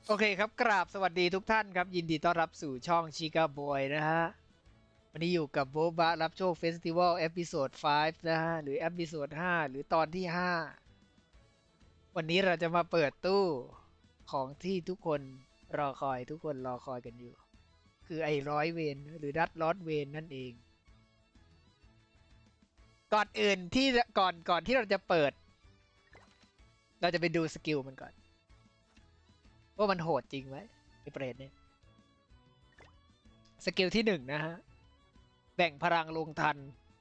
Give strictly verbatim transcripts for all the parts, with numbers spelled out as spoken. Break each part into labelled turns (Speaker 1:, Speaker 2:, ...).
Speaker 1: โอเคครับกราบสวัสดีทุกท่านครับยินดีต้อนรับสู่ช่องชิคาบอยนะฮะวันนี้อยู่กับโบบะรับโชคเฟสติวัลเอพิโซดห้านะฮะหรือเอพิโซดห้าหรือตอนที่ห้าวันนี้เราจะมาเปิดตู้ของที่ทุกคนรอคอยทุกคนรอคอยกันอยู่คือไอ้ร้อยเวนหรือดัตลอดเวนนั่นเองก่อนอื่นที่ก่อนก่อนที่เราจะเปิดเราจะไปดูสกิลมันก่อนว่ามันโหดจริงไหมไอ้เปรตเนี่ยสกิลที่หนึ่งนะฮะแบ่งพลังลงทัน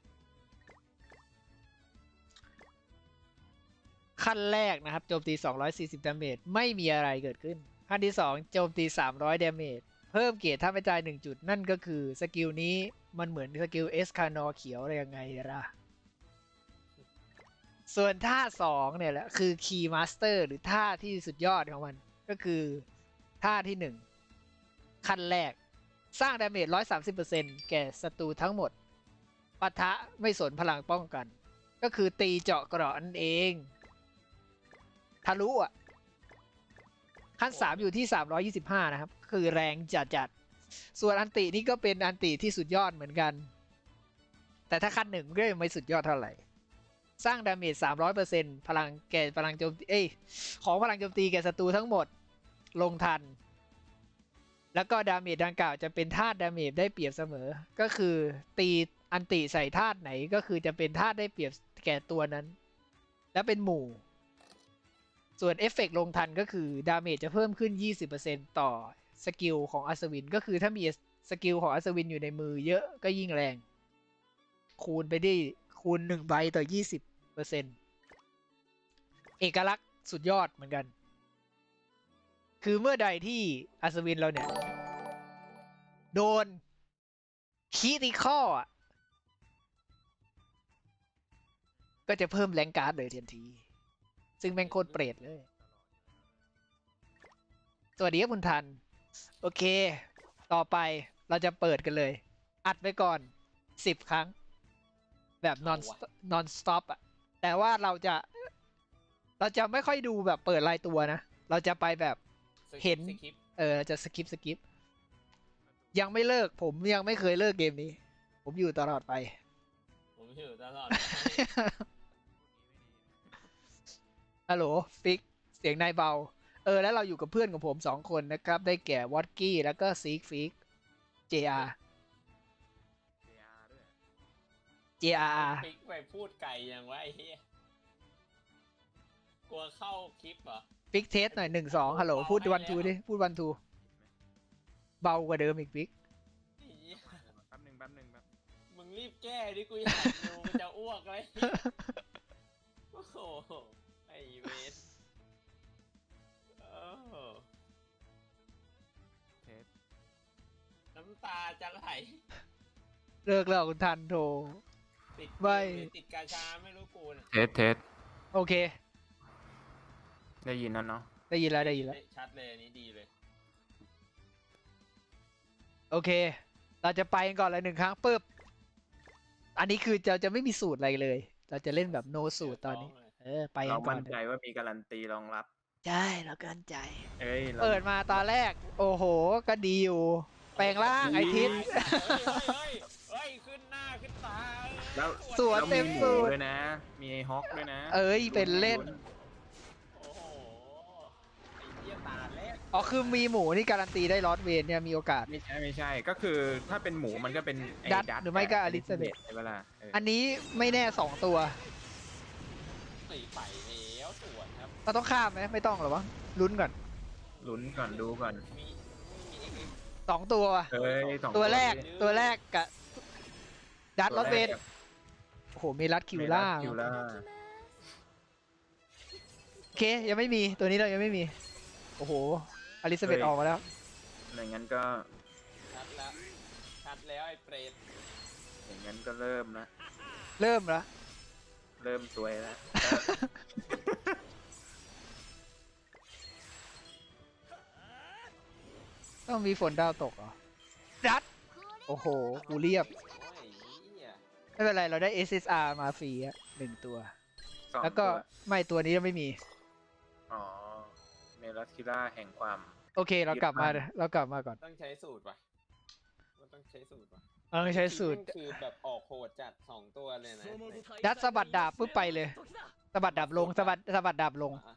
Speaker 1: ขั้นแรกนะครับโจมตีสองร้อยสี่สิบดาเมจไม่มีอะไรเกิดขึ้นขั้นที่สองโจมตีสามร้อยดาเมจเพิ่มเกียรติท่าไม่ตายหนึ่งจุดนั่นก็คือสกิลนี้มันเหมือนสกิลเอสคานอเขียวอะไรยังไงล่ะส่วนท่าสองเนี่ยแหละคือคีย์มาสเตอร์หรือท่าที่สุดยอดของมันก็คือท่าที่หนึ่งขั้นแรกสร้างดาเมจ หนึ่งร้อยสามสิบเปอร์เซ็นต์ แก่ศัตรูทั้งหมดปะทะไม่สนพลังป้องกันก็คือตีเจาะเกราะนั่นเองทะลุอ่ะขั้นสามอยู่ที่สามร้อยยี่สิบห้านะครับคือแรงจัดจัดส่วนอันตินี่ก็เป็นอันติที่สุดยอดเหมือนกันแต่ถ้าขั้นหนึ่งก็ยังไม่สุดยอดเท่าไหร่สร้างดาเมจ สามร้อยเปอร์เซ็นต์ พลังแก่พลังโจมตีเอ้ยของพลังโจมตีแก่ศัตรูทั้งหมดลงทันแล้วก็ดาเมจดังกล่าวจะเป็นธาตุดาเมจได้เปรียบเสมอก็คือตีอันติใส่ธาตุไหนก็คือจะเป็นธาตุได้เปรียบแก่ตัวนั้นและเป็นหมู่ส่วนเอฟเฟกต์ลงทันก็คือดาเมจจะเพิ่มขึ้น ยี่สิบเปอร์เซ็นต์ ต่อสกิลของอัศวินก็คือถ้ามีสกิลของอัศวินอยู่ในมือเยอะก็ยิ่งแรงคูณไปได้คูณหนึ่งใบต่อ ยี่สิบเปอร์เซ็นต์ เอกลักษณ์สุดยอดเหมือนกันคือเมื่อใดที่อัศวินเราเนี่ยโดนคีติคอลอ่ะก็จะเพิ่มแรงการ์ดเลยทันที ซึ่งแม่งโคตรเปรตเลย สวัสดีครับคุณทัน โอเค ต่อไปเราจะเปิดกันเลย อัดไปก่อนสิบครั้ง แบบ non non stop อ่ะ แต่ว่าเราจะ เราจะไม่ค่อยดูแบบเปิดรายตัวนะ เราจะไปแบบเห็น เออจะสกิปสกิปยังไม่เลิก ผมยังไม่เคยเลิกเกมนี้ ผมอยู่ตลอดไป
Speaker 2: ผมอยู่ตลอด
Speaker 1: ฮัลโหลฟิกเสียงนายเบาเออแล้วเราอยู่กับเพื่อนของผมสองคนนะครับได้แก่วอตกี้แล้วก็ซีกฟิก เจ อาร์ เจ อาร์
Speaker 2: ปิกไปพูดไก่ยังวะไอ้เหี้ยกลัวเข้าคลิปเหรอ
Speaker 1: ฟิกเทสหน่อยหนึ่งสองฮัลโหลพูดวันทูดิพูดวันทูเบากว่าเดิมอีกฟิก
Speaker 2: ไอ้เหี้ย
Speaker 3: แป๊บหนึ่งแป๊บหนึ่งแป๊บ
Speaker 2: มึงรีบแก้ดิกูอยากดูมันจะอ้วกเลยโอ้โหไอ้เวสโอ้โห
Speaker 3: เทส
Speaker 2: น้ำตาจะไหล
Speaker 1: เลิกแล้วคุณทันโทร
Speaker 2: ติด
Speaker 1: ไม่
Speaker 2: หรือติดกาชาไม่รู้กูน่ะ
Speaker 3: เทสเทส
Speaker 1: โอเค
Speaker 3: ได้ยินแล้วเนาะ
Speaker 1: ได้ยินแล้วได้ยินแล้ว
Speaker 2: ชัดเลยอันนี้ดีเลย
Speaker 1: โอเค เราจะไปกันก่อนเลยหนึ่งครั้งปึ๊บอันนี้คือจะจะไม่มีสูตรอะไรเลย เราจะเล่นแบบโนสูตรตอนนี้ เออไปกั
Speaker 3: เรา
Speaker 1: นก่อ
Speaker 3: มั่
Speaker 1: น
Speaker 3: นใจว่ามีการันตีรองรับ
Speaker 1: ใช่เราเกินใจ
Speaker 3: เอ้ยรา
Speaker 1: เปิดมาตอนแรก โอ้โห ก็ดีอยู่ แปลงร่างไอทิศ
Speaker 2: เฮ้ยเฮ้ยเฮ้ยขึ้นหน้าขึ้นตา
Speaker 3: แล้ว
Speaker 1: สวน
Speaker 3: แล้ว
Speaker 1: เต็ม
Speaker 3: ห
Speaker 1: สูตร
Speaker 3: ด้วยนะ มีไอ้ฮอกด้วยนะ
Speaker 1: เอ้ยเป็นเล่น
Speaker 2: โอ้โหไอ้เหี้ยตาแรก
Speaker 1: อ๋อคือมีหมูนี่การันตีได้ลอสเวนเนี่ยมีโอกาส
Speaker 3: ไม่ใช่ไม่ใช่ ก็คือถ้าเป็นหมูมันก็เป็นไอ้
Speaker 1: ดัต
Speaker 3: ดัต
Speaker 1: หรือไม่ก็
Speaker 3: บ
Speaker 1: อลิซาเบธ
Speaker 3: ใช่ปะล่ะเออ
Speaker 1: อันนี้ไม่แน่สองตัว
Speaker 2: ตีไปแล้วสวนครับ
Speaker 1: เราต้องข้ามไหมไม่ต้องหรอวะลุ้นก่อน
Speaker 3: ลุ้นก่อนดูก่อน
Speaker 2: มีมีอีกอีก
Speaker 1: สองตัว
Speaker 3: เฮ้ยสอง
Speaker 1: ตัวแรก
Speaker 3: นี้
Speaker 1: ตัวแรกกับดัตลอสเวน
Speaker 3: ตัวแรก
Speaker 1: โอ้โหมีรัดคิวล่า
Speaker 3: เมรัสคิวล่า
Speaker 1: โอเค ยังไม่มีตัวนี้เรายังไม่มี โอ้โหอลิซาเบธออกมาแล้ว
Speaker 3: อย่างนั้นก็
Speaker 2: ชัดแล้วชัดแล้วไอ้เปรต
Speaker 3: อย่างนั้นก็เริ่มนะ
Speaker 1: เริ่มแล้ว
Speaker 3: เริ่มสวยแล้ว
Speaker 1: ต้องมีฝนดาวตกเหรอดัตโอ้โหกูเรียบ
Speaker 2: โอ้ยเหี้ย
Speaker 1: ไม่เป็นไรเราได้ เอส เอส อาร์ มาฟรีอะหนึ่งตัว
Speaker 3: สอง
Speaker 1: แล้วก็
Speaker 3: ตัว
Speaker 1: ไม่ตัวนี้ยังไม่มี
Speaker 3: อ๋อ เมลัสคิล่าแห่งความ
Speaker 1: โอเคเรากลับมาเรากลับมาก่อน
Speaker 2: ต้องใช้สูตรป่ะมันต้องใช้สูตรป่ะ
Speaker 1: เราใช้สูตร
Speaker 2: แม่งคือแบบออกโหดจัดสองตัวเลยนะ
Speaker 1: ยัดสะบัดดาบปุ๊บไปเลยสะบัดดาบลงสะบัดสะบัดดาบลง
Speaker 2: อ่ะ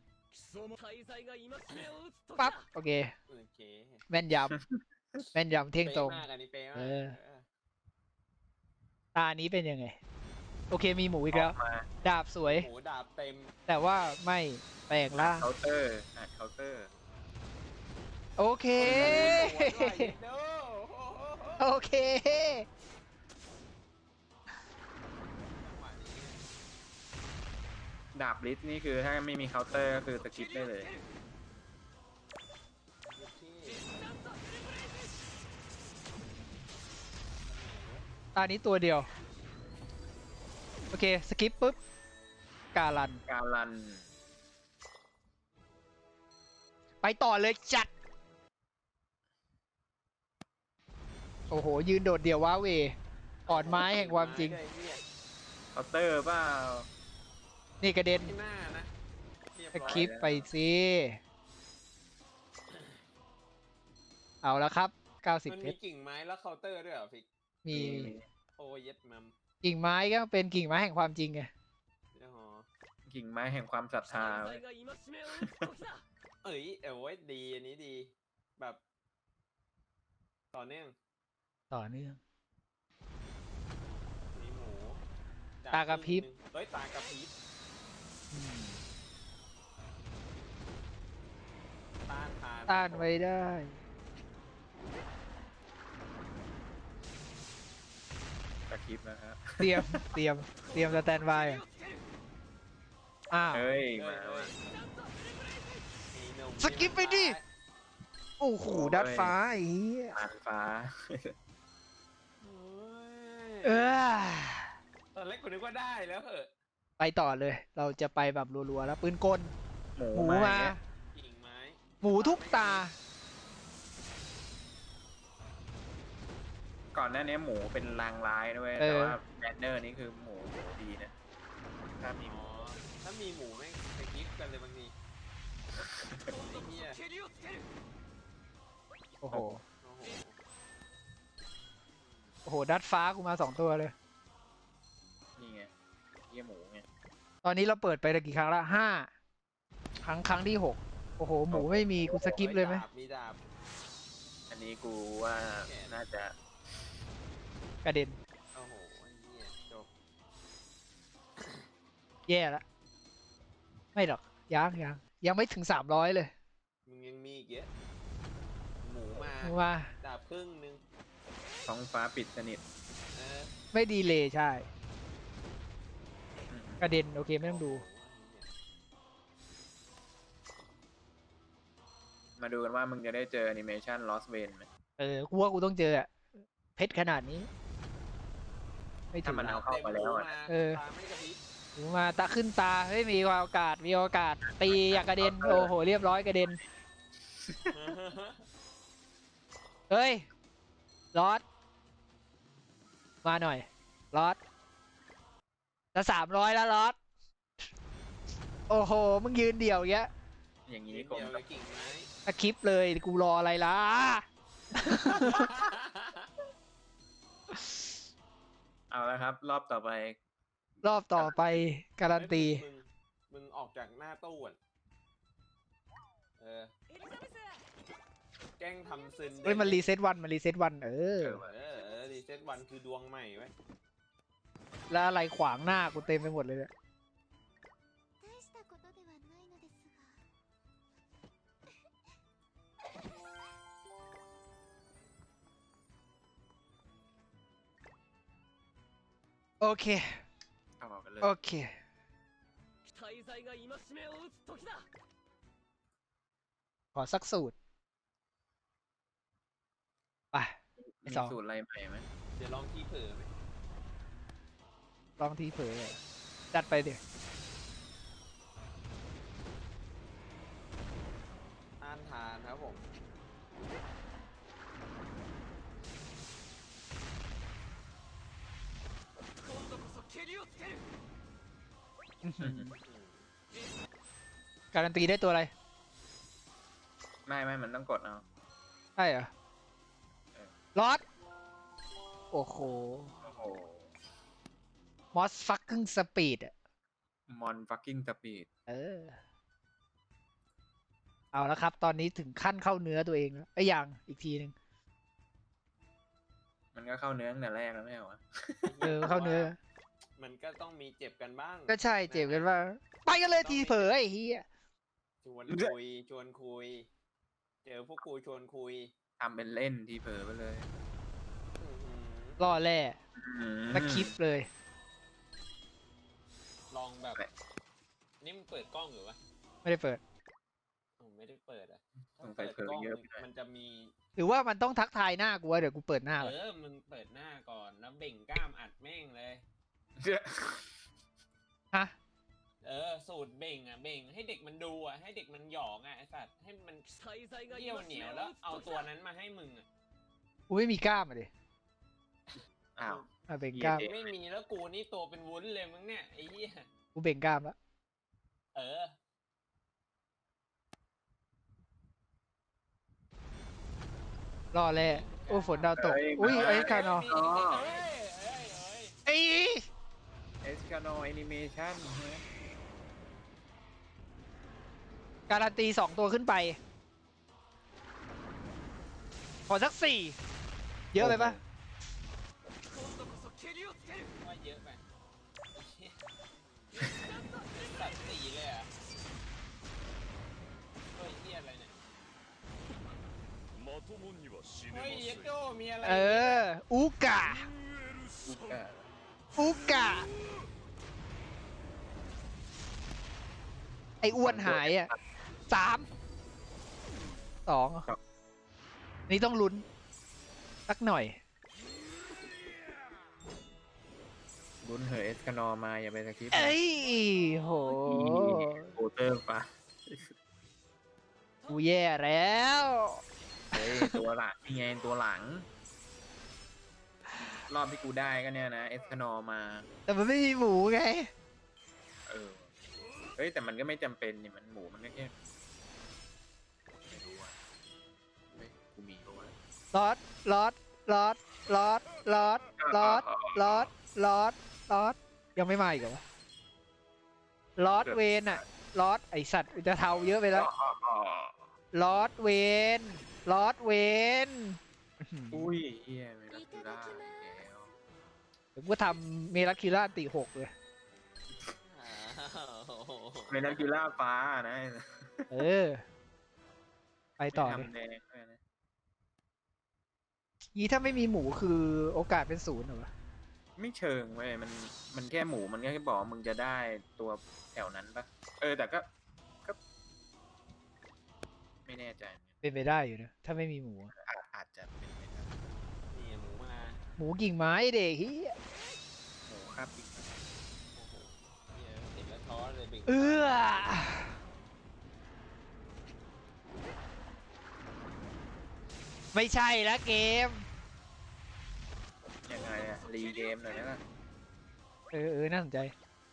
Speaker 1: ปั๊บโอเค
Speaker 2: โอเค
Speaker 1: แม่นยำแม่นยำเที่ยงตรง
Speaker 2: ป๊ะมากอันนี้เป๊ะมาก
Speaker 1: เออ
Speaker 2: เออ
Speaker 1: ตานี้เป็นยังไง โอเคมีหมูอีก
Speaker 3: อ
Speaker 1: แล้
Speaker 3: อ
Speaker 1: ว
Speaker 3: กมา
Speaker 1: ดาบสวย
Speaker 2: หมูดาบเต็ม
Speaker 1: แต่ว่าไม่แปลงร่าง
Speaker 3: เคาน์เตอร์อ่ะเคาน์เตอร์
Speaker 1: โอเค โอเค
Speaker 3: ดาบลิสนี่คือถ้าไม่มีเคาน์เตอร์ก็คือสกิปได้เลย
Speaker 1: ตานี้ตัวเดียว โอเค สกิปปุ๊บ การัน
Speaker 3: การัน
Speaker 1: ไปต่อเลยจัด โอ้โห ยืนโดดเดี่ยวว้าเหวอ่อนไม้แห่งความจริง
Speaker 3: เคาน์เตอร์เปล่า
Speaker 1: นี่กระเด็น
Speaker 2: ที่หน้านะเรียบ
Speaker 1: ส
Speaker 2: ร้อย
Speaker 1: คริปต์ไปสิ เอาแล้วครับ เก้าสิบ
Speaker 2: มัน
Speaker 1: เพ
Speaker 2: มี
Speaker 1: ชร
Speaker 2: กิ่งไม้แล้วเคาน์เตอร์ด้วยเหรอฟิก
Speaker 1: มี
Speaker 2: โอ้เย็ดมัม
Speaker 1: กิ่งไม้ก็เป็นกิ่งไม้แห่งความจริงไง
Speaker 2: อ๋อ
Speaker 3: กิ่งไม้แห่งความศรัทธาเว้ย
Speaker 2: เอ้ยเอ้ยดีอันนี้ดี แบบ ต่อเนื่อง
Speaker 1: ต่อเนื่อง
Speaker 2: มีหมู
Speaker 1: ตากระพริบ
Speaker 2: คงหนึ่งเฮ้ยตากระพริบ
Speaker 1: อืม
Speaker 2: ต้านทาน
Speaker 1: ต้านไว้ได้
Speaker 3: สกิปนะครับ
Speaker 1: เตรียม เตรียม เตรียมสแตนบายอะอ้าว
Speaker 3: เฮ้ย
Speaker 2: เอ้
Speaker 3: มาย
Speaker 2: เอ้
Speaker 3: ว่ะ
Speaker 2: ยไอ้หนุ่ม
Speaker 1: สกิปไปดิ โอ้โห ดัดฟ้าไอ้เหี้ย
Speaker 3: ผ่านฟ้า
Speaker 2: โอ้ย
Speaker 1: เออ
Speaker 2: ตอนแรกกูนึกว่าได้แล้วเหอะ
Speaker 1: ไปต่อเลย เราจะไปแบบรัวๆแล้วปืนกล
Speaker 3: หมู
Speaker 1: หมู
Speaker 3: มา
Speaker 1: มา
Speaker 3: เนี่ย
Speaker 2: กิ่งไม้
Speaker 1: หมูทุกตา
Speaker 3: ก่อนหน้านี้หมูเป็นลางร้ายด้วย
Speaker 1: เออ
Speaker 3: แต่ว่าแบนเนอร์นี่คือหมูหมูดีนะ ถ้ามีห
Speaker 2: อ๋
Speaker 3: มู
Speaker 2: อ ถ้ามีหมูแม่งสกิปกันเลยบางทีไอ้เหี้ย
Speaker 1: โอ้โห
Speaker 2: โอ้โห
Speaker 1: โอ้โห ดัดฟ้ากูมาสองตัวเลย
Speaker 3: นี่ไงเยี่ยหมูไง
Speaker 1: ตอนนี้เราเปิดไปกี่ครั้งละห้าครั้งครั้งที่หกโอ้โห หมูไม่มีกูสกิปเลยไหม
Speaker 2: ดาบมีดาบ
Speaker 3: อันนี้กูว่าน่าจะ
Speaker 1: กระเด็น
Speaker 2: โอ้โหไอ้เหี้ยจบ
Speaker 1: แย่ละ ไม่หรอก ยังยังยังไม่ถึงสามร้อยเลย
Speaker 2: มึงยังมีอีกเยอะ หมูมา
Speaker 1: มา
Speaker 2: ดาบครึ่งหนึง
Speaker 3: ท้องฟ้าปิดสนิท
Speaker 2: เออ
Speaker 1: ไม่ดีเลยใช่
Speaker 3: อืม
Speaker 1: กระเด็น โอเค ไม่ต้องดู
Speaker 2: โโหไอ้เหี้ย
Speaker 3: มาดูกันว่ามึงจะได้เจอแอนิเมชัน Lost Vein ไหม
Speaker 1: เออ กูว่ากูต้องเจออะเพชรขนาดนี้ ไม่ถึ
Speaker 3: ถ้าง มันเอาเข้ามาแล้วอะนะ
Speaker 1: เออ
Speaker 2: ตาไม่กระพริบ
Speaker 1: หมูมาตาขึ้นตา เฮ้ย มีโอกาส มีโอกาส ตีอยากกระเด็น โอ้โห เรียบร้อยกระเด็น เฮ้ยลอดมาหน่อยลอดจะสามร้อยแล้วลอดโอ้โห มึงยืนเดี่ยวอย่างเงี้ย
Speaker 3: อย่างนี้
Speaker 2: เดี
Speaker 3: คง
Speaker 2: ยวเลยกิ่งไม้
Speaker 1: สคริปต์เลยกูรออะไรล่ะ
Speaker 3: เอาแล้วครับ รอบต่อไป
Speaker 1: รอบต่อไปการันตี
Speaker 2: มึงมึงออกจากหน้าตู้ก่อนเออ แกล้งทำซึน
Speaker 1: เฮ้ย มันรีเซ็ตวัน มันรีเซ็ตวัน เออ
Speaker 3: เออว่ะ
Speaker 2: เออเออรีเซ็ตวันคือดวงใหม่ไว้ย
Speaker 1: แล้วอะไรขวางหน้ากูเต็มไปหมดเลยเนี่ย
Speaker 4: 大したことではないのですが。
Speaker 1: โอเค
Speaker 3: ต่อกันเลย
Speaker 1: โอเค ขอสักสูตร ไป ไอ้
Speaker 3: มี
Speaker 1: สอง
Speaker 3: สูตรอะไรใหม่ไหม
Speaker 2: เดี๋ยวลองที่เผลอไหม
Speaker 1: ลองทีเผยอะจัดไปเดี๋ยว
Speaker 2: ต้านทานครับผม
Speaker 1: การันตีได้ตัวอะไร
Speaker 3: ไม่ไม่มันต้องกดเอา
Speaker 1: ใช่เหรอ
Speaker 3: เออ
Speaker 1: ลอดโอ้โห
Speaker 3: โอ้โห
Speaker 1: มอสฟักกิ้งสปีดอ่ะ
Speaker 3: มอนฟักกิ้งสปีด
Speaker 1: เออ เอาแล้วครับ ตอนนี้ถึงขั้นเข้าเนื้อตัวเองแล้วไอ้ยยังอีกทีหนึ่ง
Speaker 3: มันก็เข้าเนื้อตั้งแต่แรกแล้วไม่เหรอวะ
Speaker 1: เออเข้าเนื้อ
Speaker 2: มันก็ต้องมีเจ็บกันบ้าง
Speaker 1: ก็ใช่เจ็บกันว่า ไปกันเลยทีเผลอไอ้เฮีย
Speaker 2: ชวนคุยชวนคุย เจอพวกกูชวนคุย
Speaker 3: ทำเป็นเล่นทีเผลอไปเลย
Speaker 2: อื้อหือ
Speaker 1: ล่อแร่
Speaker 3: อืม
Speaker 1: สคริปต์เลย
Speaker 2: ลองแบบ นี่มันเปิดกล้องอยู่ปะ
Speaker 1: ไม่ได้เปิด
Speaker 2: ผมไม่ได้เปิดอ่ะ
Speaker 3: สงสัยเผลอเยอะไปหน่อย
Speaker 2: มันจะมี
Speaker 1: หรือว่ามันต้องทักทายหน้ากูวะเดี๋ยวกูเปิดหน้า
Speaker 2: เอ
Speaker 1: ก่อน
Speaker 2: อ มึงเปิดหน้าก่อนแล้วเบ่งกล้ามอัดแม่งเลย
Speaker 1: ฮะ
Speaker 2: เออ สูตรเบ่งอ่ะ เบ่งให้เด็กมันดูอ่ะ ให้เด็กมันหยองอ่ะไอสัตว์ ให้มันเยี่ยวเหนียวแล้วเอาตัวนั้นมาให้มึงอ่ะ
Speaker 1: กูไม่มีกล้ามอ่ะดิ
Speaker 3: อ้าว
Speaker 1: อ่ะเบ่งกล้าม
Speaker 3: เหี้ย
Speaker 2: ไม่มีแล้วกูนี่ตัวเป็นวุ้นเลยมึงเนี่ยไอ้เหี้ย
Speaker 1: กูเบ่งกล้ามแล้ว
Speaker 2: เออ
Speaker 1: ล่อแร่โอ้ฝนดาวตก อุ้ยไอ้คานอ
Speaker 2: เอ้ยเอ้ยเอ้ยเอ้ย
Speaker 1: ไอ้
Speaker 3: เอสคาโนแอนิเมชั่น
Speaker 1: การันตีสองตัวขึ้นไป ขอสักสี่เยอะไปปะ
Speaker 2: ว่าเยอะไปตัดสีเลยอ่ะเฮ้ยเหี้ยอะไรเนี่ยเฮ้ยเยโดมีอะไร
Speaker 1: เออ อูกะ
Speaker 3: อุกะ
Speaker 1: อูกะ ไอ้อ้วนหายอ่ะสามสองนี่ต้องลุ้น สักหน่อย
Speaker 3: ลุ้นเหอะเอสคาโนมาอย่าไปสคริปต์
Speaker 1: เอ้ยโห
Speaker 3: โอเตอร์ปะ
Speaker 1: กูแย่แล้ว
Speaker 3: เฮ้ยตัวหลังนี่ไงตัวหลัง รอบที่กูได้ก็เนี่ยนะเอสคาโนมา
Speaker 1: แต่มันไม่มีหมูไง
Speaker 3: เออ เฮ้ยแต่มันก็ไม่จำเป็นนี่มันหมูมันก็แค่ไม่รู้อ่ะเฮ้ยกูมีปะวะ
Speaker 1: ลอดลอดลอดลอดลอดลอดลอดลอดลอดยังไม่มาอีกเหรอวะลอดเวนอะลอดไอสัตว์จะเทาเยอะไปแล้ว
Speaker 3: อ๋อ
Speaker 1: ลอดเวนลอดเวน
Speaker 3: อุ้ยเฮียเมลัคูล่าอีกแล้ว
Speaker 1: เดี๋ยวกูทำเมลักคิล่าตีหกเลย
Speaker 2: อ้าว
Speaker 3: เมลัคูล่าฟ้านะ
Speaker 1: เออ ไปต่อ
Speaker 3: ไม่
Speaker 1: เลย
Speaker 3: ทำแดงด้วยนะ
Speaker 1: นี้ถ้าไม่มีหมูคือโอกาสเป็นศูนย์เหรอวะ
Speaker 3: ไม่เชิงเว้ยมันมันแค่หมูมันก็แค่บอกว่ามึงจะได้ตัวแถวนั้นปะเออแต่ก็ก็ ไม่แน่ใจเหมือนกัน
Speaker 1: เป็นไปได้อยู่นะถ้าไม่มีหมูอะ
Speaker 3: อาจอาจจะเป็นไปได้
Speaker 2: นี่หมูมา
Speaker 1: หมูกิ่งไม้เด็กเฮีย
Speaker 3: หมูคาบอีก
Speaker 2: โอ้โหเหี้ยเห็นแล้วท้อเลยบิ่ง
Speaker 1: เอื้อไม่ใช่ละเกม
Speaker 3: ยังไงอะรีเกมหน่อยนะ
Speaker 1: เออเออน่าสนใจ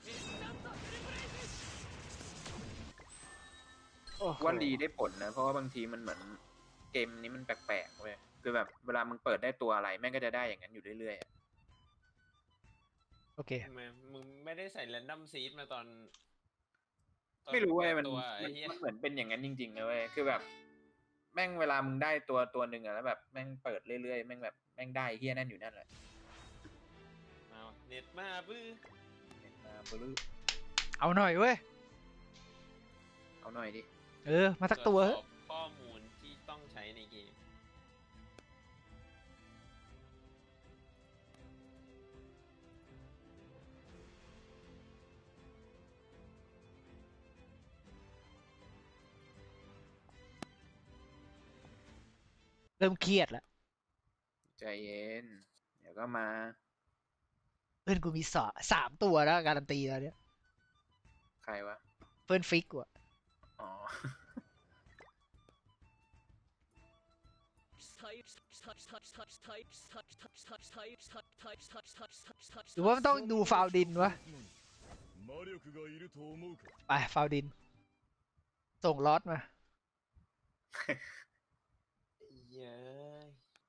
Speaker 1: โอ้โห
Speaker 3: ว่ารีได้ผลนะ เพราะว่าบางทีมันเหมือนเกมนี้มันแปลกๆเว้ยคือแบบเวลามึงเปิดได้ตัวอะไรแม่งก็จะได้อย่างนั้นอยู่เรื่อยๆอะ
Speaker 1: โอเค
Speaker 2: ทำไมมึงไม่ได้ใส่แรนดอมซีดมาตอนตอน
Speaker 3: ไม่รู้เว้ยมัน
Speaker 2: ตัว
Speaker 3: มั
Speaker 2: ไอ้
Speaker 3: น
Speaker 2: เหี้ย
Speaker 3: มันเหมือนเป็นอย่างนั้นจริงๆนะเว้ยคือแบบ แม่งเวลามึงได้ตัวตัวหนึ่งอะแล้วแบบแม่งเปิดเรื่อยๆแม่งแบบแม่งได้เฮี้ยนั่นอยู่นั่นแหละ
Speaker 2: เอาเน็ตมาบื้อ
Speaker 3: มาบลู
Speaker 1: เอาหน่อยเว้ย
Speaker 3: เอาหน่อยดิ
Speaker 1: เออ มาสักตัว
Speaker 2: ตร
Speaker 1: เถ
Speaker 2: จ
Speaker 1: อะ
Speaker 2: สอบข้อมูลที่ต้องใช้ในเกม
Speaker 1: เริ่มเครียดแล้ว
Speaker 3: ใจเย็น เดี๋ยวก็มา
Speaker 1: เพื่อนกูมีสอสามตัวแล้วการันตีแล้วเนี่ย
Speaker 3: ใครวะ
Speaker 1: เพื่อนฟิกว่ะ
Speaker 3: อ๋อ
Speaker 1: หรือว่ามันต้องดูฟาวดินวะ ไปฟาวดิน ส่งลอตมา
Speaker 2: เย้ย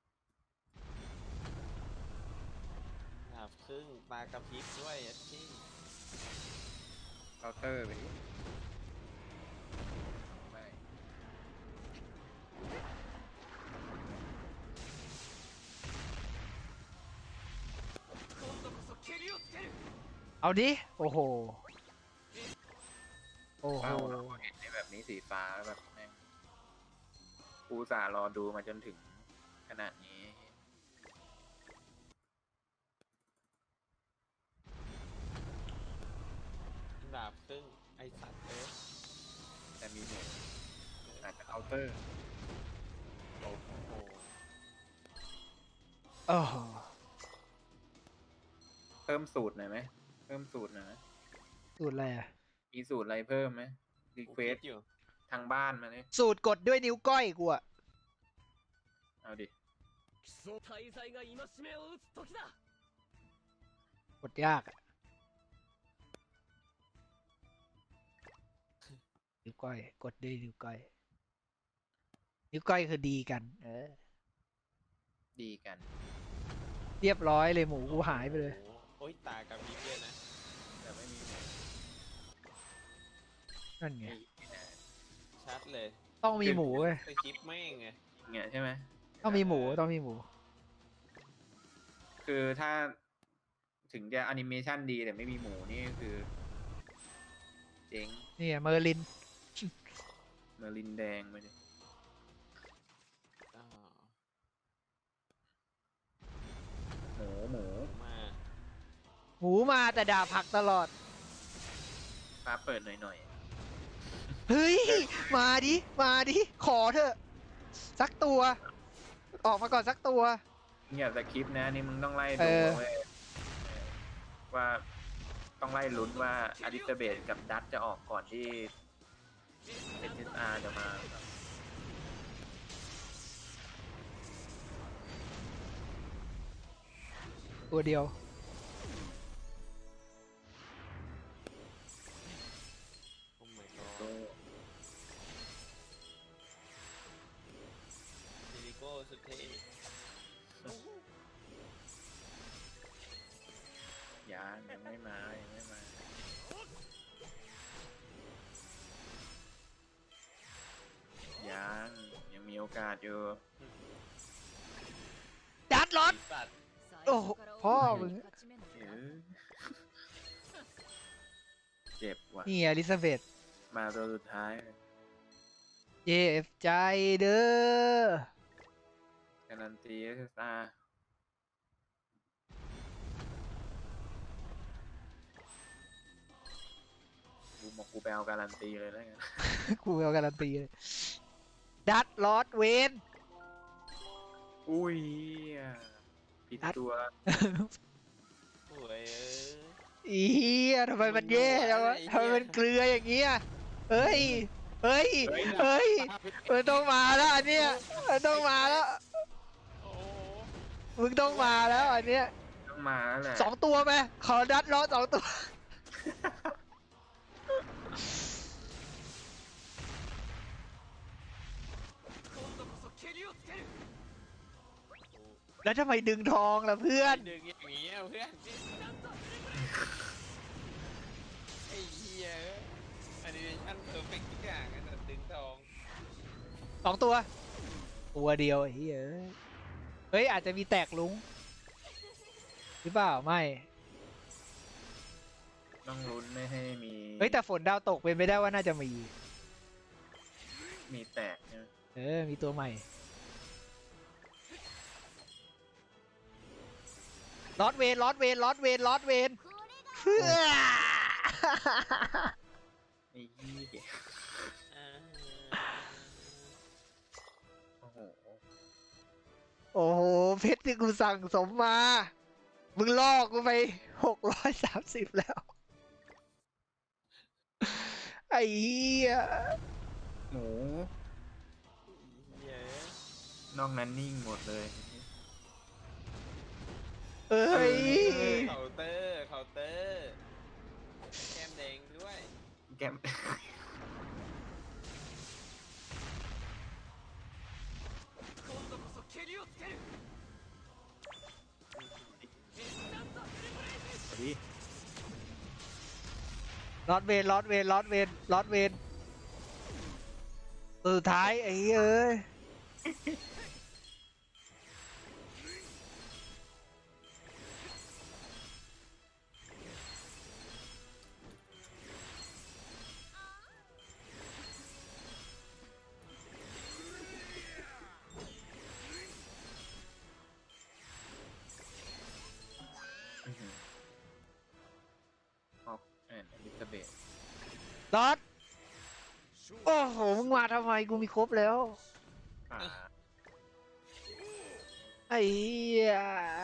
Speaker 2: ดาบครึ่งตากระพริบด้วยอ่ะที่
Speaker 3: เคาน์เตอร์ไปดิไม่
Speaker 1: เอาดิ โอ้โห โอ้โห
Speaker 3: เฝ้าเราเห็นในแบบนี้สีฟ้าแล้วแบบแม่งกูอุตสาห์รอดูมาจนถึงขนาดนี้
Speaker 2: ดาบครึ่งไอสัตว์เอ้ย
Speaker 3: แต่มีหมูอาจจะเคาน์เตอร์โอ้โห
Speaker 2: โอ้โห
Speaker 1: โอ้โห
Speaker 3: เพิ่มสูตรหน่อยไหมเพิ่มสูตรหน่อยไหม
Speaker 1: สูตรอะไรอะ
Speaker 3: มีสูตรอะไรเพิ่มไหมรี
Speaker 2: กู
Speaker 3: เคว
Speaker 2: คิ
Speaker 3: ส
Speaker 2: ดอยู่
Speaker 3: ทางบ้านมาเลย
Speaker 1: สูตรกดด้วยนิ้วก้อยกูอะ
Speaker 3: เอาดิ
Speaker 5: 大罪が戒めを打つ時だ。
Speaker 1: กดยากอะนิ้วก้อย กดด้วยนิ้วก้อย นิ้วก้อยคือดีกัน เออ
Speaker 3: ดีกัน
Speaker 1: เรียบร้อยเลยหมูกูหายไปเลย
Speaker 2: โอ้โหโอ้ยตากระพริบด้วยนะ
Speaker 3: แต่ไม่มีหมู
Speaker 1: นั่นไง
Speaker 3: ไม่ไม่น่า
Speaker 2: ชัดเลย
Speaker 1: ต้องมีหมูเว้ย
Speaker 2: ไปคลิปแม่งไง
Speaker 3: เงี้ยใช่ไหม
Speaker 1: ต้องมีหมูต้องมีหมู
Speaker 3: คือถ้าถึงจะแอนิเมชันดีแต่ไม่มีหมูนี่คือ เจ๊ง
Speaker 1: นี่เมอร์ลิน
Speaker 3: เมอร์ลินแดงไปดิ
Speaker 2: อ้าว
Speaker 3: หมูหมู
Speaker 2: มา
Speaker 1: หมูมาแต่ด่าผักตลอด
Speaker 3: ฟ้าเปิดหน่อยหน่อย
Speaker 1: เฮ้ย มาดิ มาดิ ขอเถอะ สักตัว ออกมาก่อนสักตัว
Speaker 3: เงียบสคริปต์นะนี่มึงต้องไล่
Speaker 1: เอ
Speaker 3: ดู
Speaker 1: อ
Speaker 3: เว้ยเออว่าต้องไล่ลุ้นว่าอลิซาเบธกับดัตจะออกก่อนที่เอสอาร์จะมาครับ
Speaker 1: ตัวเดียว
Speaker 2: โอ้ my god
Speaker 3: โอ้
Speaker 2: ซิลิโก้สุดเท่
Speaker 3: ยังยังไม่มายังไม่มายังยังมีโอกาสอยู่
Speaker 1: ดัดรถ
Speaker 2: ไอ้สัตว์
Speaker 1: โอ้โหพ่อมึง
Speaker 3: เออเจ็บว่ะ
Speaker 1: นี่อลิซาเบธ
Speaker 3: มาตัวสุดท้าย
Speaker 1: เจ็บใจเด้อ
Speaker 3: การันตีเอสอาร์กูบอกกูไปเอาการันตีเลยแล้วกัน
Speaker 1: กูเอาการันตีเลย ดัดลอดเวน
Speaker 3: อุ้ยผิดตัว
Speaker 2: โอ้ยเอ้ย
Speaker 1: อีเหี้ยทำไมมันแย่จังวะ
Speaker 2: ไอ้เหี้ย
Speaker 1: ทำไมมันเกลืออย่างเงี้ยเฮ้ย เฮ้ย
Speaker 3: เฮ้ย
Speaker 1: เฮ้ย มันต้องมาแล้วอันเนี้ยมันต้องมาแล้ว
Speaker 2: โอ้โห
Speaker 1: มึงต้องมาแล้วอันเนี้ย
Speaker 3: ต้องมาแล้วแหละ
Speaker 1: สองตัวไหมขอดัดล้อสองตัว แล้วทำไมดึงทองล่ะเพื่อน
Speaker 2: ดึงอย่างงี้อะเพื่อนไอ้เหี้ยแอนิเมชั่นเพอร์เฟกต์ทุกอย่างอะแต่ดึงทอง
Speaker 1: สองตัว ตัวเดียวไอ้เฮ้ยเฮ้ย อาจจะมีแตกลุงหรือเปล่า ไม่
Speaker 3: ต้องลุ้นไม่ให้มี
Speaker 1: เฮ้ย แต่ฝนดาวตกเป็นไปได้ว่าน่าจะมี
Speaker 3: มีแตกใช่ไหม
Speaker 1: เออ มีตัวใหม่ลอดเวนลอดเวนลอดเวนลอดเวนเพื่อ
Speaker 3: ไอ้ยี่
Speaker 2: อ่า
Speaker 3: โอ้โห
Speaker 1: โอ้โห เพชรที่กูสั่งสมมา มึงลอกกูไปหกร้อยสามสิบแล้ว ไอ้เหี้ย
Speaker 3: หมู
Speaker 2: เหี้ย
Speaker 3: นอกนั้นนิ่งหมดเลย
Speaker 1: เอ้ย
Speaker 2: เคาน์เตอร์เคาน์เตอร์แก้มแดงด้วย
Speaker 3: แก้มเอาดิ
Speaker 1: ลอดเวนลอดเวนลอดเวนลอดเวนตัวสุดท้ายไอ้เหี้ยเอ้ย
Speaker 3: อื้อหือออกแอนอลิซาเบธ
Speaker 1: ลอดโอ้โหมึงมาทำไมกูมีครบแล้ว
Speaker 3: ป่า
Speaker 1: ไอ้เหี้ย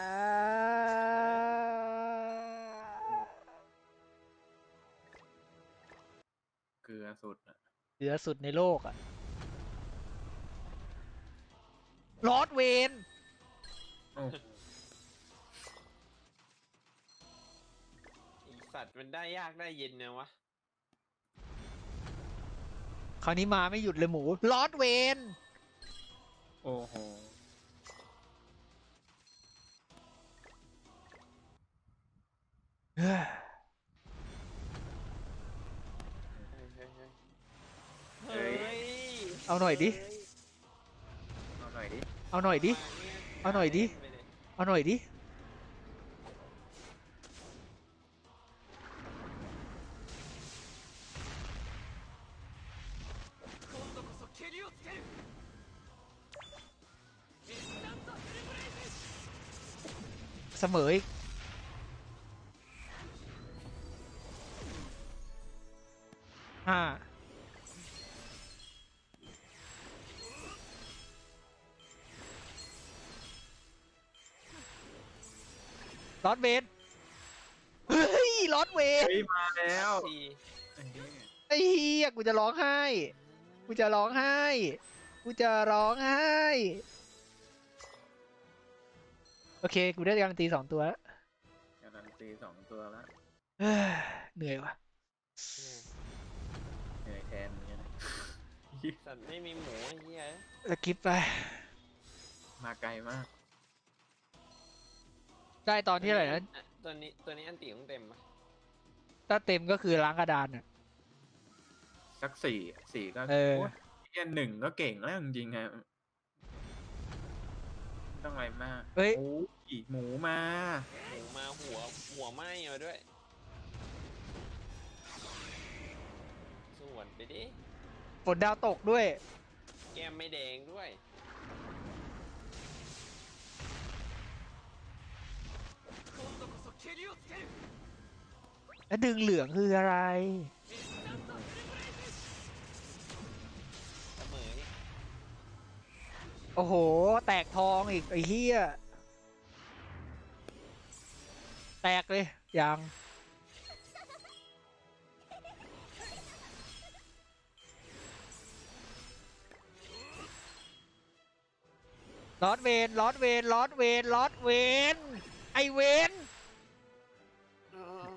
Speaker 3: เกลือสุดอะ
Speaker 1: เหลือสุดในโลกอะลอดเวน
Speaker 3: โอ้โห
Speaker 2: ไอสัตว์มันได้ยากได้เย็นนะวะ
Speaker 1: คราวนี้มาไม่หยุดเลยหมูลอดเวน
Speaker 3: โอ้โห
Speaker 1: เฮ้ย
Speaker 2: เฮ้ยเฮ้ยเฮ้ย
Speaker 3: เฮ้ย
Speaker 1: เอาหน่อยดิ
Speaker 3: เอาหน่อยดิ
Speaker 1: เอาหน่อยดิ เอาหน่อยดิ เอาหน่อยดิ
Speaker 5: 今度こそ蹴りをつけるインスタントフルブレイズ
Speaker 1: เสมออีกห้าลอดเวนเฮ้ยลอดเวน
Speaker 3: เฮ้ย มาแล้ว
Speaker 2: ที
Speaker 3: ไอ้เหี้ย
Speaker 1: ไอ้เหี้ยกูจะร้องไห้ กูจะร้องไห้ กูจะร้องไห้ โอเค กูได้การันตีสองตัวแล้ว
Speaker 3: การันตีสองตัวแล้ว
Speaker 1: เฮ้ยเหนื่อยว่ะ
Speaker 3: เหนื่อยแทนเหมือนกันนะ
Speaker 2: สัตว์ไม่มีหมูไอ้เหี้ย
Speaker 1: สกิปไป
Speaker 3: มาไกลมาก
Speaker 1: ได้ตอนที่อะไรนะ
Speaker 2: ตัวนี้ตัวนี้อันตีของเต็มปะ
Speaker 1: ถ้าเต็มก็คือล้างกระดานอ่ะ
Speaker 3: สักสี่อะสี่ก็
Speaker 1: เออ
Speaker 3: โยเหี้ยหนึ่งก็เก่งแล้วจริงๆอะไม่ต้องอะไรมาก
Speaker 1: เฮ้ย
Speaker 3: โอ้ยหมูมา
Speaker 2: หมูมาหัวหัวไหม้มาด้วยส่วนไปดิ
Speaker 1: ฝนดาวตกด้วย
Speaker 2: แก้มไม่แดงด้วย
Speaker 5: 今度こそ蹴りをつける
Speaker 1: แล้วดึงเหลืองคืออะไร
Speaker 5: インスタントフルブレイズ
Speaker 2: เสมออีก
Speaker 1: โอ้โห แตกทองอีก ไอ้เหี้ย แตกเลย ยัง ลอดเวน ลอดเวน ลอดเวน ลอดเวน ไอเวน
Speaker 3: อืม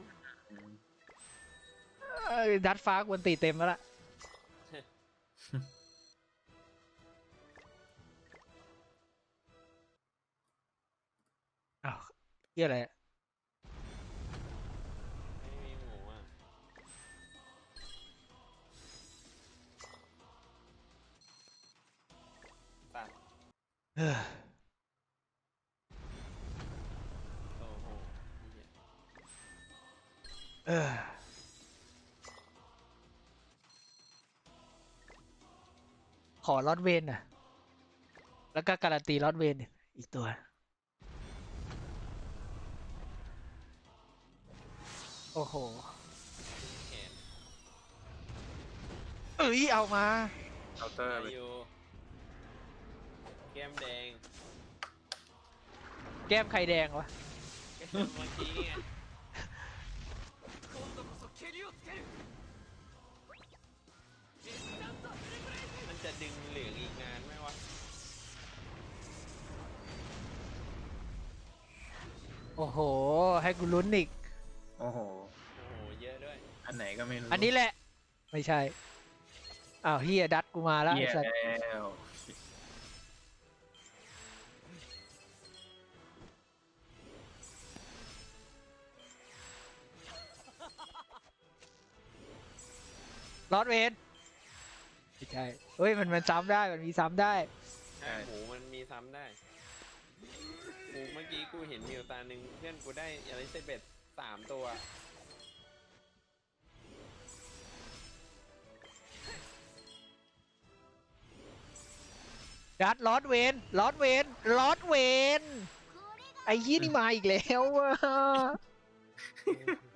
Speaker 1: เอ้ยดัดฟ้ากวนตีเต็มแล้วล่ะ อ้าวเหี้ยอะไรอะ
Speaker 2: ไม่มีหมูอ่ะ ตัด
Speaker 1: เฮ้ย
Speaker 2: โอ้โหเหี้ย
Speaker 1: เออขอลอดเวนน่ะ แล้วก็การันตีลอดเวนอีกตัว โอ้โห
Speaker 2: แขน
Speaker 1: เอ้ย เอามา
Speaker 3: เคาน์เตอร์
Speaker 2: อา
Speaker 3: ไป
Speaker 2: ยุแก้มแดง
Speaker 1: แก้มไข่แดงวะ
Speaker 2: เมื่อกี้ไง
Speaker 5: 今度こそ蹴りをつけるインスタントフルブレイズ
Speaker 2: มันจะดึงเหลืองอีกนานไหมวะ
Speaker 1: โอ้โห ให้กูลุ้นอีก
Speaker 3: โอ้โห
Speaker 2: โอ้โห เยอะด้วย
Speaker 3: อันไหนก็ไม่รู้
Speaker 1: อันนี้แหละ ไม่ใช่ อ้าวเฮียดัดกูมาแล้ว
Speaker 3: เหี้
Speaker 1: ไอ้
Speaker 3: ย
Speaker 1: สัส
Speaker 3: แล้ว
Speaker 1: ลอดเวนไม่ใช่เฮ้ยมันมันซ้ำได้มันมีซ้ำได้
Speaker 2: ใช่หมูมันมีซ้ำได้กูเมื่อกี้กูเห็นมิวตาหนึ่งเพื่อนกูได้อลิซาเบธสามตัว
Speaker 1: ดัดลอดเวนลอดเวนลอดเวน
Speaker 4: これが
Speaker 1: ไอ้ยี่นี่มาอีกแล้วอะ